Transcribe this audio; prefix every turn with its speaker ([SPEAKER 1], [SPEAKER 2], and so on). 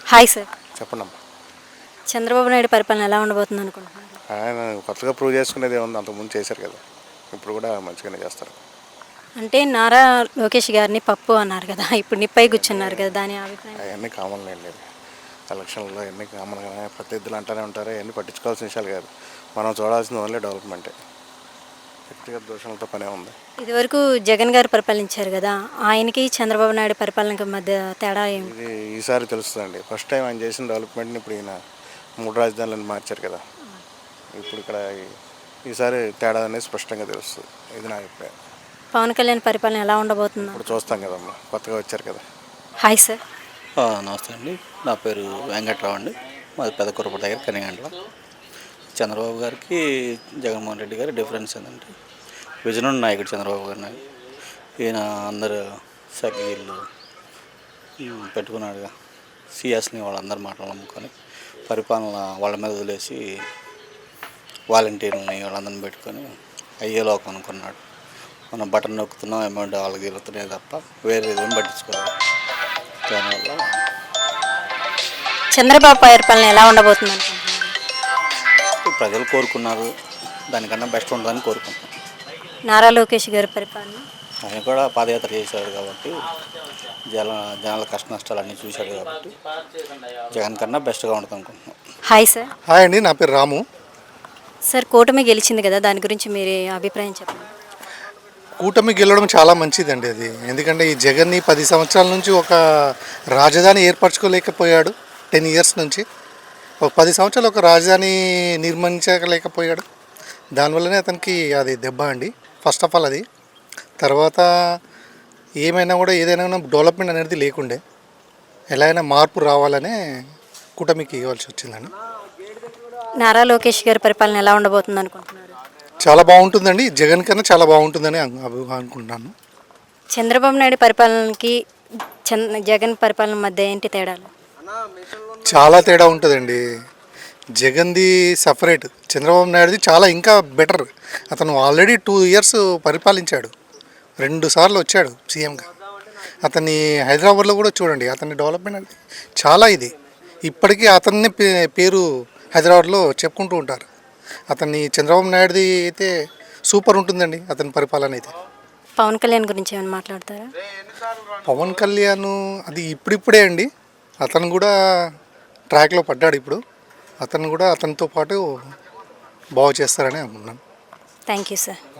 [SPEAKER 1] Hi sir.
[SPEAKER 2] చెప్పండి అమ్మా.
[SPEAKER 1] చంద్రబాబు నాయుడు పరిపాలన ఎలా ఉండబోతుంది అనుకుంటున్నారు?
[SPEAKER 2] ఆయన కొత్తగా ప్రూవ్ చేసుకునేది ఏముంది, అంతకుముందు చేశారు కదా, ఇప్పుడు కూడా మంచిగానే చేస్తారు.
[SPEAKER 1] అంటే నారా లోకేష్ గారిని పప్పు అన్నారు కదా, ఇప్పుడు నిప్పై కూర్చున్నారు కదా, దాని అభిప్రాయం?
[SPEAKER 2] అవన్నీ కామన్ లేండి. ఎలక్షన్లో అన్నీ కామన్గానే ప్రత్యర్థులు అంటూనే ఉంటారు. అవన్నీ పట్టించుకోవాల్సిన విషయాలు కాదు. మనం చూడాల్సింది ఓన్లీ డెవలప్మెంటే. వ్యక్తిగత దోషాలతో పనే ఉంది.
[SPEAKER 1] ఇదివరకు జగన్ గారు పరిపాలించారు కదా, ఆయనకి చంద్రబాబు నాయుడు పరిపాలనకి మధ్య తేడా ఏమి?
[SPEAKER 2] ఇది ఈసారి తెలుస్తుందండి. ఫస్ట్ టైం ఆయన చేసిన డెవలప్మెంట్ని ఇప్పుడు ఈయన 3 రాజధానులను మార్చారు కదా, ఇప్పుడు ఇక్కడ ఈసారి తేడా అనేది స్పష్టంగా తెలుస్తుంది. ఇది నా అభిప్రాయం.
[SPEAKER 1] పవన్ కళ్యాణ్ పరిపాలన ఎలా ఉండబోతుంది?
[SPEAKER 2] ఇప్పుడు చూస్తాం కదమ్మా, కొత్తగా వచ్చారు కదా.
[SPEAKER 1] Hi sir.
[SPEAKER 3] నమస్తే అండి. నా పేరు వెంకట్రావు అండి. మాది పెదకురప దగ్గర కనిగండ్ల. చంద్రబాబు గారికి జగన్మోహన్ రెడ్డి గారి డిఫరెన్స్ ఏంటంటే విజన్ నాయకుడు చంద్రబాబు గారిని. ఈయన అందరు సఖీళ్ళు పెట్టుకున్నాడుగా, సిఎస్ని వాళ్ళందరి మాటలు నమ్ముకొని పరిపాలన వాళ్ళ మీద వదిలేసి వాలంటీర్లని వాళ్ళందరిని పెట్టుకొని అయ్యేలోకం అనుకున్నాడు. మనం బటన్ నొక్కుతున్నాం, అమౌంట్ వాళ్ళకి వెళ్తున్నాయి తప్ప వేరే ఏదేం పట్టించుకోవాలి. దానివల్ల
[SPEAKER 1] చంద్రబాబు పరిపాలన ఎలా ఉండబోతుంది అనుకుంటున్నారు?
[SPEAKER 3] ప్రజలు కోరుకున్నారు, దానికన్నా బెస్ట్ ఉంటుందని కోరుకుంటున్నాం.
[SPEAKER 1] నారా లోకేష్ గారి పరిపాలన?
[SPEAKER 3] ఆయన కూడా పాదయాత్ర చేశాడు కాబట్టి జనాల కష్ట నష్టాలు అన్నీ చూశాడు కాబట్టి జగన్ కన్నా బెస్ట్గా ఉంటుంది అనుకుంటున్నాం.
[SPEAKER 1] Hi sir.
[SPEAKER 4] హాయ్ అండి, నా పేరు రాము.
[SPEAKER 1] సార్, కూటమి గెలిచింది కదా, దాని గురించి మీరు అభిప్రాయం చెప్పండి.
[SPEAKER 4] కూటమి గెలవడం చాలా మంచిదండి అది. ఎందుకంటే ఈ జగన్ని 10 సంవత్సరాల నుంచి ఒక రాజధాని ఏర్పరచుకోలేకపోయాడు. 10 ఇయర్స్ నుంచి ఒక 10 సంవత్సరాలు ఒక రాజధాని నిర్మించలేకపోయాడు. దానివల్లనే అతనికి అది దెబ్బ అండి. ఫస్ట్ ఆఫ్ ఆల్ అది. తర్వాత ఏమైనా కూడా ఏదైనా డెవలప్మెంట్ అనేది లేకుండే, ఎలా అయినా మార్పు రావాలనే కూటమికి ఇవ్వాల్సి వచ్చిందండి.
[SPEAKER 1] నారా లోకేష్ గారి పరిపాలన ఎలా ఉండబోతుంది అనుకుంటున్నారు?
[SPEAKER 4] చాలా బాగుంటుందండి, జగన్ కన్నా చాలా బాగుంటుందని అనుకుంటున్నాను.
[SPEAKER 1] చంద్రబాబు నాయుడు పరిపాలనకి జగన్ పరిపాలన మధ్య ఏంటి తేడాలు?
[SPEAKER 4] చాలా తేడా ఉంటుందండి. జగన్ది సపరేట్, చంద్రబాబు నాయుడుది చాలా ఇంకా బెటర్. అతను ఆల్రెడీ 2 ఇయర్స్ పరిపాలించాడు, 2 సార్లు వచ్చాడు సీఎంగా. అతన్ని హైదరాబాద్లో కూడా చూడండి, అతని డెవలప్మెంట్ అనేది చాలా ఇది. ఇప్పటికీ అతన్ని పేరు హైదరాబాద్లో చెప్పుకుంటూ ఉంటారు. అతన్ని చంద్రబాబు నాయుడుది అయితే సూపర్ ఉంటుందండి అతని పరిపాలన అయితే.
[SPEAKER 1] పవన్ కళ్యాణ్ గురించి ఏమైనా మాట్లాడతారా?
[SPEAKER 4] పవన్ కళ్యాణ్ అది ఇప్పుడిప్పుడే అండి, అతను కూడా ట్రాక్లో పడ్డాడు. ఇప్పుడు అతను కూడా అతనితో పాటు బాగు చేస్తారని అనుకుంటున్నాను.
[SPEAKER 1] Thank you sir.